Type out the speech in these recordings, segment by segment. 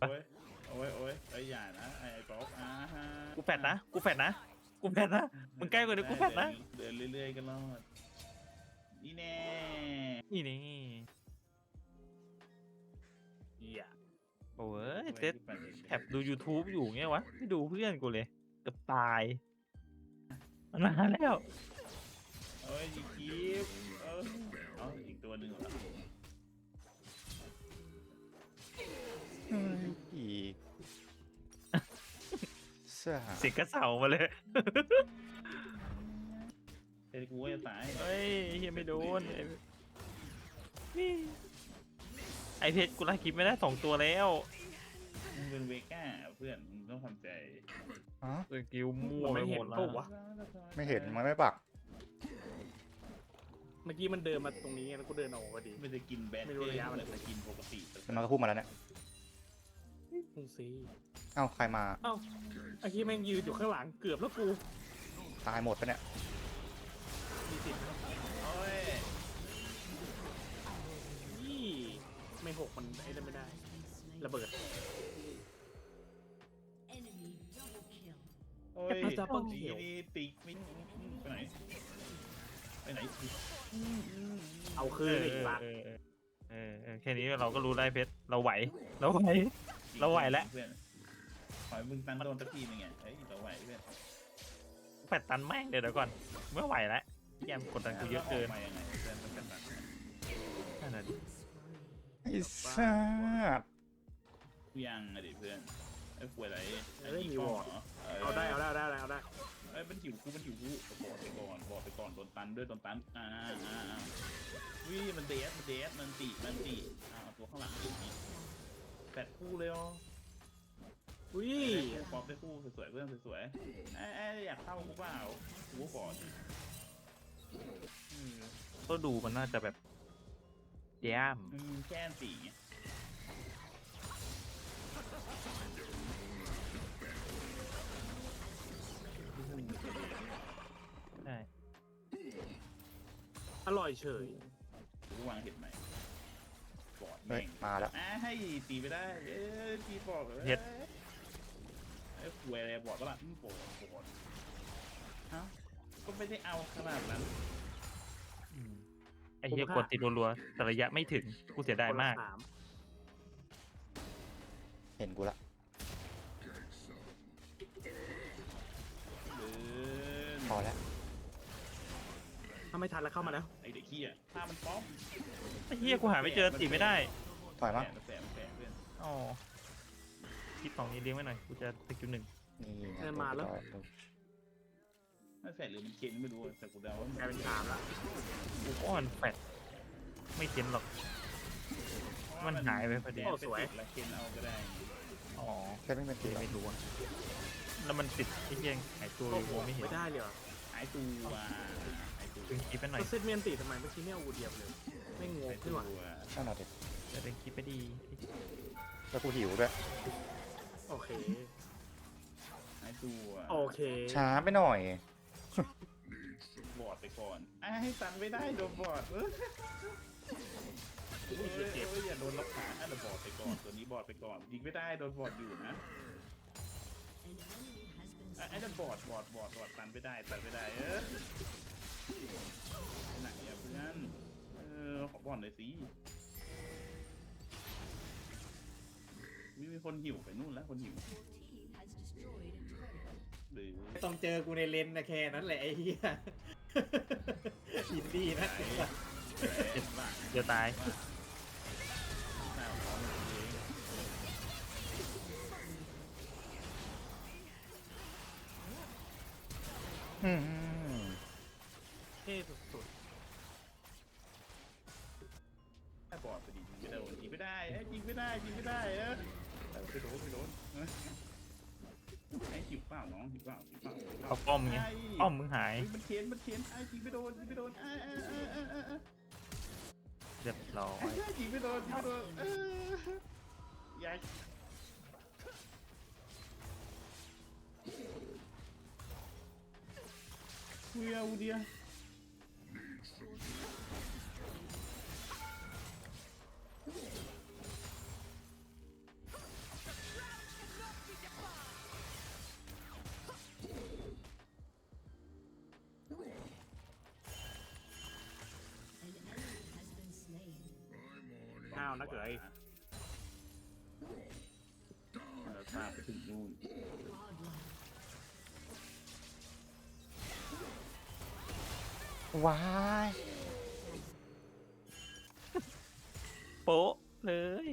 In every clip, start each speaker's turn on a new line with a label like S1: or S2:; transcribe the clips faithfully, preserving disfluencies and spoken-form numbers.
S1: โอ้ยโอ้ยโอ้ยไอ้อย่านะไอ้ป๊อกอ่าฮะ
S2: กูแฟดนะกูแฟดนะกูแฟดนะมึงใกล้กว่านี้กูแฟดนะ
S1: เดินเรื่อยๆกันรอดนี่แน่
S2: นี่นี่
S3: เหี้ย
S2: โอ้ยเซตแท็บดู YouTube อยู่เงี้ยวะไม่ดูเพื่อนกูเลยเกือบตายมันมาแล้ว
S1: เอ้ยอีกคลิปเออเอาอีกตัวหนึ่งเหรอ
S4: อีกเสื้อหา
S2: เสียงกระเสามาเลย
S1: เฮ้ยกูก็จะตาย
S2: เฮ้ยเฮียไม่โดนไอ้นี่ไอเพชรกูไล่คลิปไม่ได้สองตัวแล้ว
S1: มึงเป็นเวก้าเพื่อนมึงต้องทำใจ
S4: อ๋อ
S2: สกิลมั่วไปหมดแล้ว
S4: ไม่เห็นมันไม่ปัก
S3: เมื่อกี้มันเดินมาตรงนี้แล้วกูเดินออกพอดี
S1: มันจะกินแบท
S3: ไม่รู้ระยะมัน
S1: เลยจะกินปกติ
S4: มันก็พูดมาแล้วเนี่ย
S3: มึงซี
S4: เอ้าใครมา
S3: เอ้าไอ้ที่แม่งยืนอยู่ข้างหลังเกือบแล้วกู
S4: ตายหมดปะเนี่ย
S3: มีสิทธิ์
S1: โอ้ย
S3: ยี่ไม่หกมันไอ้นั่นไม่ได้ระเบิด
S5: Enemy double kill.
S1: โอ้ย
S3: แอปเปิ้ลดับเบิ้ลเขียว
S1: นี่ติ๊กมิ้งไปไหนไปไหน
S3: เอาคืนอีกละ
S2: เออเออเออเออแค่นี้เราก็รู้ได้เพชรเราไหวเราไหว เราไหวแล้ว
S1: เพื่อนขอให้มึงตั้งโดนสักทีนึงไงเฮ้ยเราไหวเพื่อน
S2: แปดตันแม่งเดี๋ยวเดี๋ยวก่อนเมื่อไหวแล้วแยมกดดันกูเยอะเกิน
S1: มายังไงเพื่อนมันกันตัน
S2: นั่นน่ะดิ
S4: ไอ้สัส
S1: กูยังอะดิเพื่อนไอ้ป่วยอะไร
S3: เอ้ยมีวอร์ดเอาได้เอาได้เอาได้เอาได้
S1: ไอ้มันหิวกูมันหิวกูบอดไปก่อนบอดไปก่อนโดนตันด้วยโดนตันอ่าอ่าอ่าวิมันเดสมันเดสมันตีมันตีอ่าตัวข้างหลังอย่างนี้แปดคู่เลยอ๋อ
S3: อุ้ย
S1: ปอบได้คู่สวยๆเพื่อนสวยๆไอ้ไอ้อยากเข้ากูเปล่ากูก็บอด
S2: ก็ดูมันน่าจะแบบแย้ม
S1: มันมีแค่สีไง
S2: ใช่
S3: อร่อยเฉย
S1: กูวางเห็ดใหม่บอด
S4: เฮ้ยมาแล้ว
S1: อ่ะให้ตีไปได้เอ้ยตีบอดเลยไอ้ป่วยอะไรบอดก็ล่ะบอดบอดเอ้าก็ไม่ได้เอาขนาดนั้น
S2: อืมไอ้เหี้ยกดติดรัวๆแต่ระยะไม่ถึงกูเสียดายมาก
S3: คนละสาม
S4: เห็นกูละ
S1: เดิน
S4: พอแล้ว
S3: ถ้าไม่ทันแล้วเข้ามาแล้ว
S1: ไอเด็กขี้อ่ะถ้ามันป้อม
S2: ไอ้เหี้ยกูหาไม่เจอติไม่ได้
S4: ถอยมา
S1: แฝงแฝงแฝงเพื่อน
S2: อ๋อคลิปสองนี้เลี้ยงไว้หน่อยกูจะสกิลหนึ่ง
S4: นี่ไง
S1: ไม่แฝงหรือมันเค็นไม่รู้แต่กูเดาว่าก
S3: ลายเป็นสามละ
S2: กูอ้อนแฟดไม่เข็นหรอก มันหายไปพอดี
S1: โอ้สวยแล้วเค็นเอาก็ได้
S2: อ๋อ
S4: แค่ไม่เป็น
S2: เดี๋
S4: ตี
S2: ยวไม่รู้อะแล้วมันติดไอ้เหี้ยหายตัวอยู่ไม่เห็น
S3: ไม่ได้เลยเหรอ
S1: หายตัวหายตัว
S2: ดึงคลิปไปหน่อย
S3: ก็เซตเมียนตีทำไมเมื่อกี้ไม่เอาอูเดียบเลยไม่งง
S1: หาย
S3: ขึ้
S1: ตั
S3: น
S1: ว
S3: ว่ะ
S4: นั่นน่ะดิ
S2: จะดึงคลิปไปดี
S4: แล้วกูหิวด้วย
S3: โอเค
S1: หายตัว
S3: โอเค
S4: ช้าไปหน่อย
S1: บอดไปก่อนไอ้ให้ตันไม่ได้โดนบอดเออ
S3: อุ้ย
S1: เจ็
S3: เจ็
S1: บบ อย่าโดนล็อกขาอ่ะเดี๋ยวบอดไปก่อนตัวนี้บอดไปก่อนยิงไม่ได้โดนบอดอยู่นะ
S5: An enemy has been
S1: ไอ้นั่นบอดบอดบอดบอดตันไม่ได้ตันไม่ได้เออไหนอะเพื่อนเออขอบอลหน่อยสิมีมีคนหิวไปนู่นแล้วคนหิว
S5: Your team has destroyed a turret.
S1: หรือ
S3: ต้องเจอกูในเลนนะแค่นั้นแหละไอ้เหี้ยอินดี้นะ
S1: เจ็บบ้า
S2: เดี๋ยวตาย
S1: หน้าของมันเอง
S4: อืม
S3: เท่สุด
S1: ไอ้บอดไปดิยิงไม่ได้ยิงไม่ได้ไอ้ยิงไม่ได้ยิงไม่ได้เออไปโดนไปโดนไอ้หิวเปล่าน้องหิวเปล่าหิวเปล่า
S2: เอาป้อมไงป้อมมึงหาย
S1: มันเขียนมันเขียนไอ้ยิงไม่โดนยิงไม่โดนไอ้ไอ้ไอ้ไอ้ไอ้
S2: เรียบร้อย
S1: ไอ้ยิงไม่โดนยิงไม่โดนเออยัยเวียอูเดีย
S3: าวนะเกย
S1: เราตามไปถึงนู่น
S5: Godlike.
S4: ว้าย
S2: โป๊ะเลย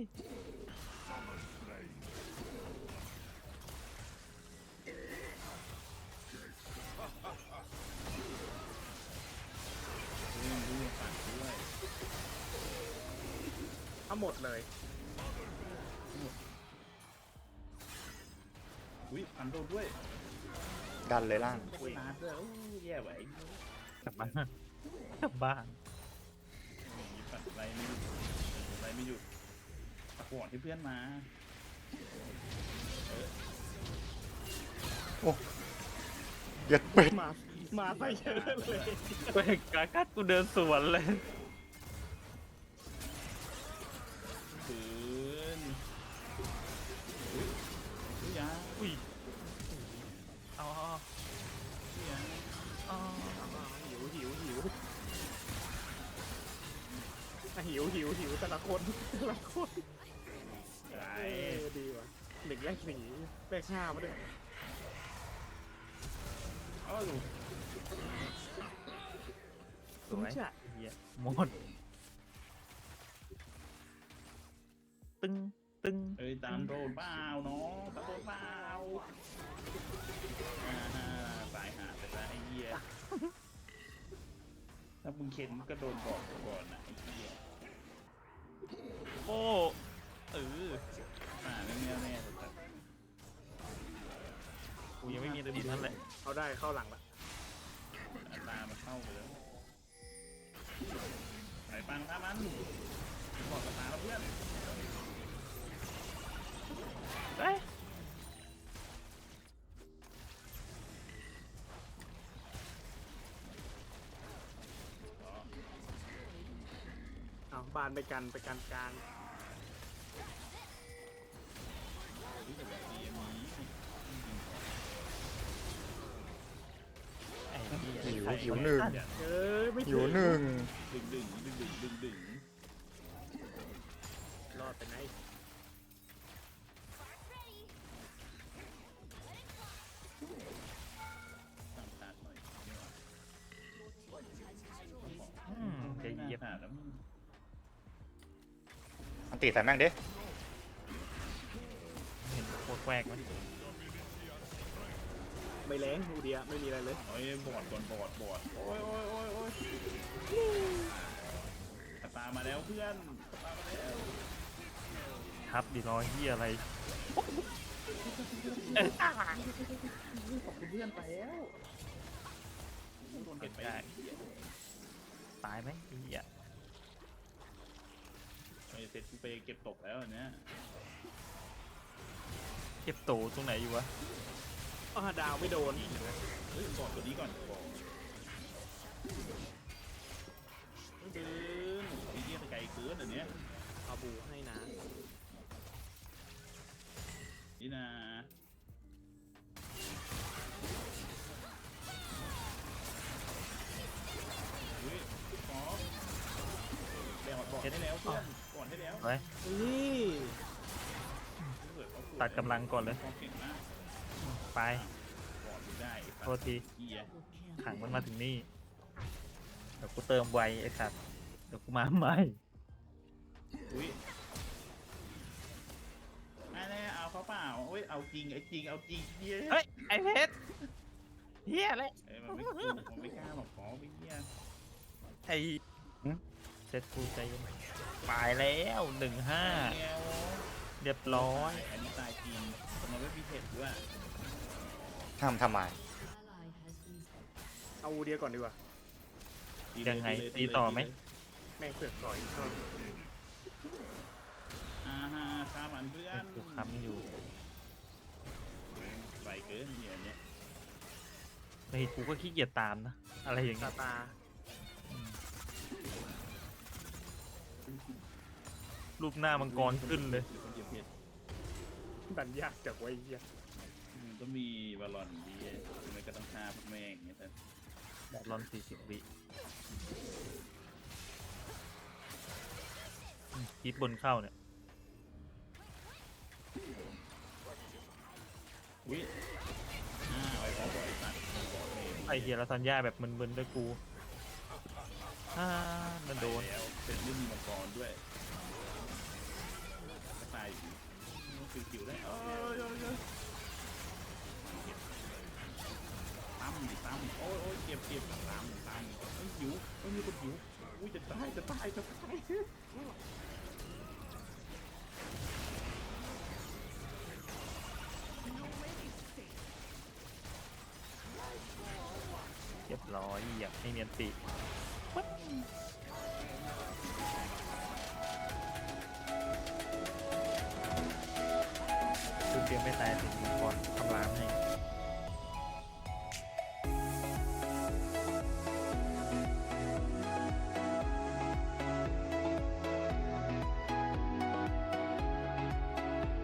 S1: ด้วยด้วยปั่นด้วย
S3: ทั้งหมดเลย
S1: อุ้ยปั่นโดนด้วย
S4: ดันเลยล่าง
S1: อุ้ยตาดด้วยโอ้ยแย่ไหว
S2: กลับบ้านกลับบ้าน
S1: อย่างนี้ปั่นไรไม่หยุดไรไม่หยุดตะกวดให้เพื่อนมา
S4: เย็ดเป็ด
S3: มา มาไปเยอะเลย
S2: เว้ยกากัดกูเดินสวนเลย
S1: ปืนอุ้ยอุ้ยยา
S2: อุ้ยเอาเอา
S1: อุ้ยยา
S2: เอา
S3: หิวหิวหิวอ่ะหิวหิวหิวแต่ละคนแต่ละคน
S1: ไร
S3: เออดีว่ะหนึ่งแรกสี่แรกห้ามาด้วย
S1: อ้าวดู
S2: สวย
S3: จ้ะ
S2: เหี้ยหมดตึงตึง
S1: เอ้ยตามโดนเปล่าเนาะตามโดนเปล่าอ่าตายหาไปละไอ้เหี้ยถ้ามึงเข็นก็โดนบอกก่อนนะไอ้เหี้ย
S2: โอ้เออ
S1: อ่าไม่แน่แน่แต่
S2: กูยังไม่มีตัวดีนั่นแหละ
S3: เขาได้เข้าหลังละ
S1: ตามันเข้าไปแล้วไอ้ปังฆ่ามันบอกกับตาแล้วเพื่อน
S2: เอ้ย
S3: เอาบานไปกันไปกันกลาง
S1: รู้สึกแบบดีอันนี้
S2: ไอ้เหี้ย
S4: หิว
S2: ใส่
S4: หิวหนึ่ง
S3: เอ้ยไม่
S4: หิวหนึ่ง
S1: ดึงดึงดึงดึงดึงดึง
S3: รอดไปไหน
S1: ตามตาหน่อย
S2: อืมจะเหยียบ
S1: หาแล้ว
S4: อันตีใส่แม่งดิ
S2: เห็นโคตรแควกไหม
S3: ไม่แรงดูเดียไม่มีอะไรเลย
S1: โอ้ยบอดก่อนบอดบอดโอ้ยโอ้ยโอ้ยโอ้ยตามาแล้วเพื่อนตามาแล้ว
S2: ทับดีรอเหี้ยอะไร
S1: ขอบคุณเพื่อนไปแล้วโดนเก็บไป
S2: ตายไหมไอ้เหี้ย
S1: ไอ้เสร็จกูไปเก็บตกแล้วอันเนี้ย
S2: เก็บโตตรงไหนอยู่วะ
S3: อ้าวดาวไม่โดน
S1: เฮ้ยบอดตัวนี้ก่อนบอดเดินไอ้เหี้ยไปไกลเกินอันเนี้ย
S3: เอาบูให้นะ
S1: นี่นะเฮ้ยขอแบกบอดให้แล้วเพื่อนบอดให้แล้ว
S2: ไว้
S3: นี่
S2: ตัดกำลังก่อนเลย
S1: เก่งมาก
S2: ไป
S1: บอดได้
S2: โทษที
S1: เกียร์
S5: Double kill.
S2: ขังมันมาถึงนี่ เดี๋ยวกูเติมไวไอ้สัตว์ เดี๋ยวกูมาใหม่
S1: อุ้ยอันนี้เอาเขาเปล่าอุ้ยเอาจริงไอ้จริงเอาจริงเหี้ย
S2: เฮ้ย ไอ้เพชรเฮียอะไร
S1: เอ้ยมันไม่กลัวมันไม่กล้าหรอกขอไปเหี้ย
S2: ไอ้เซ็ตกูใจเย็นตายแล้วหนึ่งห้า
S1: เงี้ย
S2: เรียบร้อย
S1: อันนี้ตายจริงแต่มันไม่มีเผ็ดด้วย
S4: ทำทำไม
S5: Ally has been
S3: เอาบูเดียก่อนดีกว่า
S1: ตีเล
S2: ยังไง
S1: เลย
S2: ตีต่อไหม
S3: แม่งเสือกต่อยก็
S1: อ่าฮะข้ามันเพื่อน
S2: กูค้ำอยู่
S1: ไหวเกินเนี่ยเนี่ย
S2: ในกูก็ขี้เกียจตามนะ อะไรอย่าง
S3: ตา
S2: เงี้ย
S3: ตา
S2: อืมรูปหน้ามังกรขึ้นเลย
S1: คนเดียวเผ็ด
S3: ดันยากจากไว้เหี้ย
S1: อืมก็มีบอลลอนดีไม่ก็ต้องฆ่าพวกแม่งอย่างเงี้ยแต่
S2: แบบร้อนสี่สิบวิคลิปบนเข้าเนี่ย
S1: อุ้ยอ่าไอ้บอลบอลไอ้สัตว์บอลเลย
S2: ไอเฮียแล้วทันย่าแบบมึนๆด้วยกูอ่ามันโดน
S1: แล้วเป็นเรื่องมีมังกรด้วยก็ตายอยู่คิวคิวได้เอ้ยเอ้ยเอ้ยตั้มดิตั้มโอ้ยโอ้ยเจ็บเจ็บตั้มตั้มเอ้ยหิวเอ้ยมีคนหิวอุ้ยจะตายจะตายจะตาย
S2: เรียบร้อยอยากให้เมียนติคือเตรียมไม่ตายถึงมีคอ